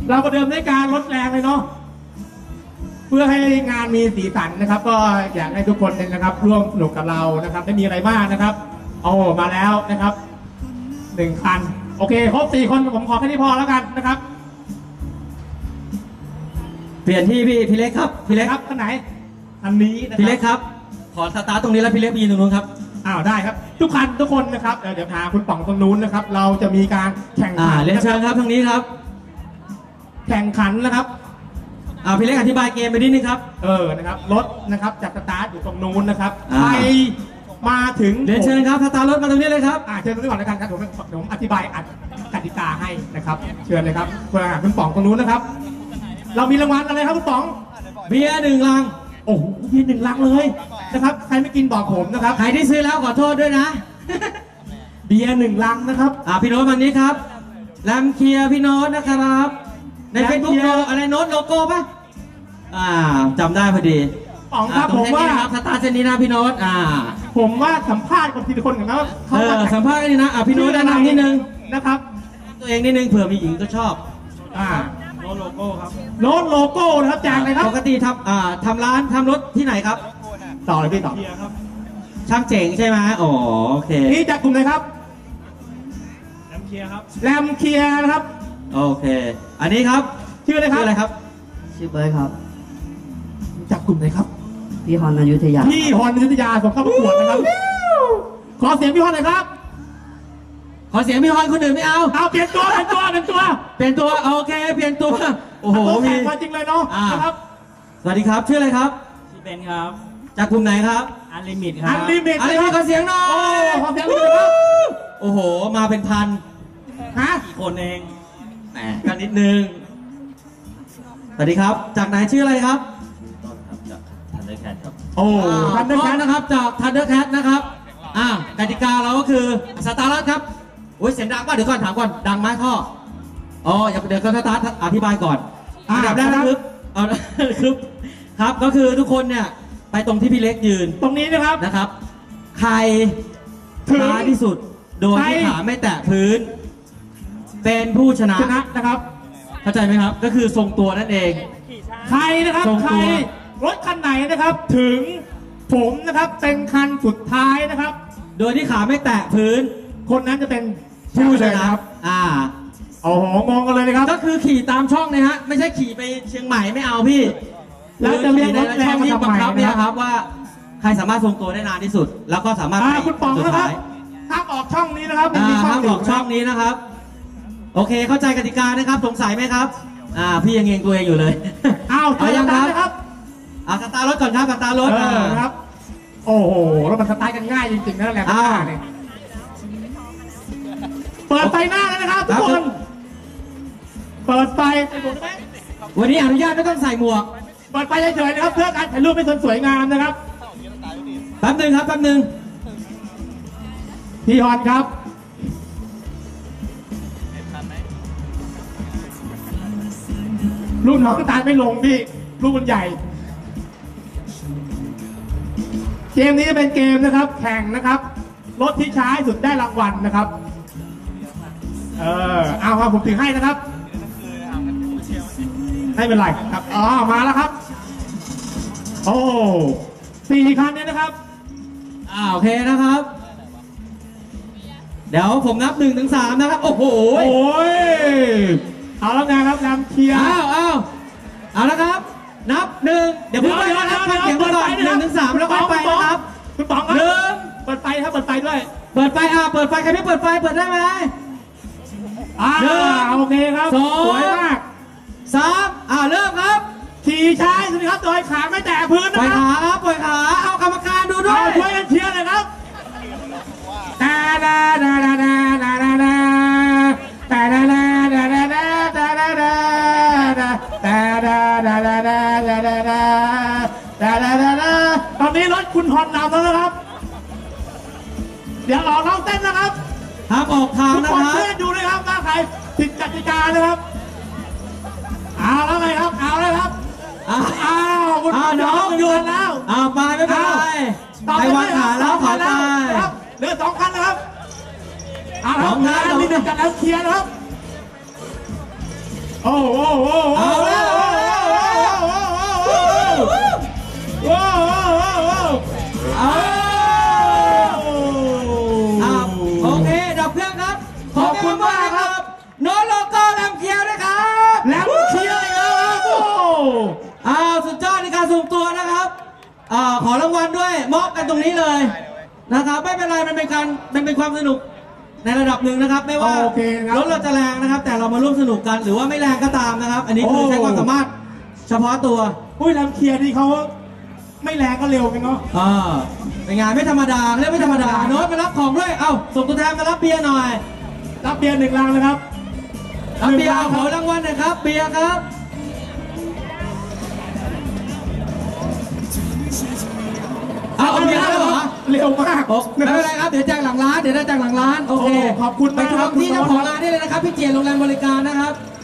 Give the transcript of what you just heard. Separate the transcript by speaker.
Speaker 1: เราประเดิมด้วยการลดแรงเลยเนาะเพื่อให้งานมีสีสันนะครับ ก็อยากให้ทุกคนนะครับร่วมสนุกกับเรานะครับไม่มีอะไรมากนะครับโอ้มาแล้วนะครับ1 คันโอเคครบ4 คนผมขอแค่นี้พอแล้วกันนะครับ
Speaker 2: เปลี่ยนที่พี่เล็กครับพี่เล็ก
Speaker 1: ครับท่านไหนอันนี้
Speaker 2: พี่เล็กครับขอสตาร์ตรงนี้แล้วพี่เล็กไปยืนตรงนู้นครับ
Speaker 1: ได้ครับทุกคนนะครับเดี๋ยวพาคุณป๋องตรงนู้นนะครับเราจะมีการแข่งขัน
Speaker 2: เรียนเชิญครับทางนี้ครับ
Speaker 1: แข่งขันนะครับ
Speaker 2: พี่เล็กอธิบายเกมไปนิดนึงครับ
Speaker 1: นะครับรถนะครับจากสตาร์ทอยู่ตรงนู้นนะครับไปมาถึง
Speaker 2: เรียนเชิญครับสตาร์รถมาตรงนี้เลยครับ
Speaker 1: เชิญตรงนี้ก่อนนะครับผมอธิบายกติกาให้นะครับเชิญเลยครับคุณป๋องตรงนู้นนะครับเรามีรางวัลอะไรครับคุณป๋อง
Speaker 2: เบียร์1 ลัง
Speaker 1: โอ้โหเบียร์1 ลังเลยนะครับใครไม่กินบอกผมนะครับ
Speaker 2: ใครที่ซื้อแล้วขอโทษด้วยนะ
Speaker 1: เบียร์1 ลังนะครับ
Speaker 2: พี่โน้ตวันนี้ครับแลมเคียร์พี่โน้ตนะครับในเฟซบุ๊กอะไรโน้ตโลโก้ป่ะจำได้พอดี
Speaker 1: ป๋องครับผมว่า
Speaker 2: สตาร์เซนนี้นะพี่โน้ต
Speaker 1: ผมว่าสัมภาษณ์กับทีละคนกันนะ
Speaker 2: สัมภาษณ์กันนี่นะพี่โน้ตแนะนำนิดนึง
Speaker 1: นะครับ
Speaker 2: ตัวเองนิดนึงเผื่อมีหญิงก็ชอบ
Speaker 1: โน้ตโลโก้ครับโน้ตโลโก้นะครับจากไหนครับ
Speaker 2: ปกติทำร้านทำรถที่ไหนครับ
Speaker 1: ต่อเลยพี่ต่อ
Speaker 2: ช่างเจ๋งใช่ไหมโอเค
Speaker 1: นี่จากกลุ่มไหนครับแรมเคียร์ครับแรมเคียร์นะครับ
Speaker 2: โอเคอันนี้ครับ
Speaker 1: ชื่ออะไรครับ
Speaker 3: ชื่อเบิร์ดครับ
Speaker 1: จากกลุ่มไหนครับ
Speaker 3: พี่ฮอนอยุธยา
Speaker 1: พี่ฮอนอยุธยาส่งเข้าประกวดนะครับขอเสียงพี่ฮอนหน่อยครับ
Speaker 2: ขอเสียงพี่ฮอนคนอื่นไม่เอา
Speaker 1: เปลี่ยนตัว
Speaker 2: โอเคเปลี่ยนตัวโอ้โห
Speaker 1: มีจริงเลยเนาะนะครับ
Speaker 2: สวัสดีครับชื่ออะไรครับ
Speaker 4: ชื่อเบนครับ
Speaker 2: จากกลุ่มไหนครับ
Speaker 4: อันลิมิตครับ
Speaker 1: อันลิมิต
Speaker 2: ขอเสียงหน่อย
Speaker 1: ขอเสียงหน่อยครับ
Speaker 2: โอ้โหมาเป็นพัน
Speaker 4: กี่คนเอง
Speaker 2: แหมกันนิดนึงสวัสดีครับจากไหนชื่ออะไรครับ
Speaker 4: ต้นครับจากทันเดอร์แคทครับ
Speaker 2: ทันเดอร์แคทนะครับจากทันเดอร์แคทนะครับกติกาเราก็คือสตาร์ทครับเสียงดังป่ะเดี๋ยวก่อนถามก่อนดังไหมท่ออย่าเดี๋ยวก็สตาร์ทอธิบายก่อนอันดับแรกครับก็คือทุกคนเนี่ยไปตรงที่พี่เล็กยืน
Speaker 1: ตรงนี้
Speaker 2: นะครับใครช้าที่สุดโดยที่ขาไม่แตะพื้นเป็นผู้ชนะ
Speaker 1: นะครับ
Speaker 2: เข้าใจไหมครับก็คือทรงตัวนั่นเอง
Speaker 1: ใครนะครับใครรถคันไหนนะครับถึงผมนะครับเป็นคันสุดท้ายนะครับ
Speaker 2: โดยที่ขาไม่แตะพื้น
Speaker 1: คนนั้นจะเป็นผู้ชนะครับโอ้โหงงกันเลยนะครับ
Speaker 2: ก็คือขี่ตามช่องนะฮะไม่ใช่ขี่ไปเชียงใหม่ไม่เอาพี่
Speaker 1: แล้วจะเรียกรถแรง
Speaker 2: ที่บังคับเนี่ยครับว่าใครสามารถทรงตัวได้นานที่สุดแล้วก็สามารถ
Speaker 1: คุณป๋องนะครับห้ามออกช่องนี้นะครับ
Speaker 2: ห้ามออกช่องนี้นะครับโอเคเข้าใจกติกานะครับสงสัยไหมครับพี่ยังเองตัวเองอยู่เลย
Speaker 1: ยังครับ
Speaker 2: สตาร์รถก่อนครับสตาร์รถ
Speaker 1: ครับโอ้โหแล้วมันสตาร์กันง่ายจริงๆนะแหละเนี่ยเปิดไฟหน้าแล้วนะครับทุกคนเปิดไฟ
Speaker 2: วันนี้อนุญาตไม่ต้องใส่หมวก
Speaker 1: เปิดไฟเฉยๆนะครับเพื่อการถ่ายรูปให้สวยงามนะครับ
Speaker 2: แป๊บนึงครับ
Speaker 1: พี่ฮอนครับลูกน้องตาไม่ลงพี่ลูกมันใหญ่เกมนี้จะเป็นเกมนะครับแข่งนะครับรถที่ช้าสุดได้รางวัลนะครับเอาครับผมถือให้นะครับไม่เป็นไรครับมาแล้วครับ4 คันนี้นะครับ
Speaker 2: โอเคนะครับเดี๋ยวผมนับ1 ถึง 3นะครับโอ้โห
Speaker 1: เอาแล้วไงครับนำเคียร์
Speaker 2: เอาแล้วครับนับ1เดี๋ยวพูดไปนะครับฟังเสียงก่อน1 ถึง 3แล้วก็ไปนะครับ
Speaker 1: คุณป๋องครับเปิดไฟครับเปิดไฟด้วย
Speaker 2: เปิดไฟใครไม่เปิดไฟเปิดได้ไหม
Speaker 1: โอเคครับสวยมาก
Speaker 2: 3เริ่มครับ
Speaker 1: ขี่ช้าสุดครับโดยขาไม่แตะพื้นนะ
Speaker 2: ปล่อยขาครับปล่อยขาเอากรรมการดูด้วย
Speaker 1: ช่วยกันเชียร์เลยครับตอนนี้รถคุณฮอนนำแล้วนะครับเดี๋ยวออกน้องเต้นนะครับ
Speaker 2: ห้ามออกทางนะครับ
Speaker 1: เพื่อนดูเลยครับว่าใครผิดกติกานะครับเอาแล้วไงครับคุณ
Speaker 2: น้องหยุด
Speaker 1: แล้ว
Speaker 2: ไปไม่เป็นไรไปวางขาแล้วถอยไป
Speaker 1: เหลือ2 คันนะครับ2 คันมี1 กับแล้วเคลียร์นะครับโอ้โหโอ้โห
Speaker 2: เอาแล้ว โอเคดับเครื่องครับ
Speaker 1: ขอบคุณมากครับ
Speaker 2: โน้ตโลโก้แลมเคียวด้วยครับ
Speaker 1: แลมเชียร์ครับโอ้
Speaker 2: สุดยอดในการสุ่มตัวนะครับขอรางวัลด้วยมอบกันตรงนี้เลยนะครับไม่เป็นไรมันเป็นความสนุกในระดับหนึ่งนะครับ ไม่ว่า
Speaker 1: โอเคครับ
Speaker 2: รถเราจะแรงนะครับ แต่เรามาร่วมสนุกกันหรือว่าไม่แรงก็ตามนะครับ อันนี้คือใช้ความสามารถเฉพาะตัว
Speaker 1: อุ้ยแลมเชียร์นี่เขาไม่แรงก็เร็วกันเนาะ
Speaker 2: เป็นงานไม่ธรรมดาเรียกไม่ธรรมดาโน้ตมารับของด้วยเอ้าส่งตัวแทนมารับเบียร์หน่อย
Speaker 1: รับเบียร์1 ลังนะครับ
Speaker 2: รับเบียร์ขอรางวัลหนะครับเบียร์ครับเอาเบียร์แล้วเหรอ
Speaker 1: เร็วมาก
Speaker 2: ไม่เป็นไรครับเดี๋ยวแจกหลังร้านโอเค
Speaker 1: ขอบคุณ
Speaker 2: ไป
Speaker 1: มาก
Speaker 2: ช
Speaker 1: ครับ
Speaker 2: มที่เจ้าของร้านได้เลยนะครับพี่เจียนโรงแรมบริการนะครับ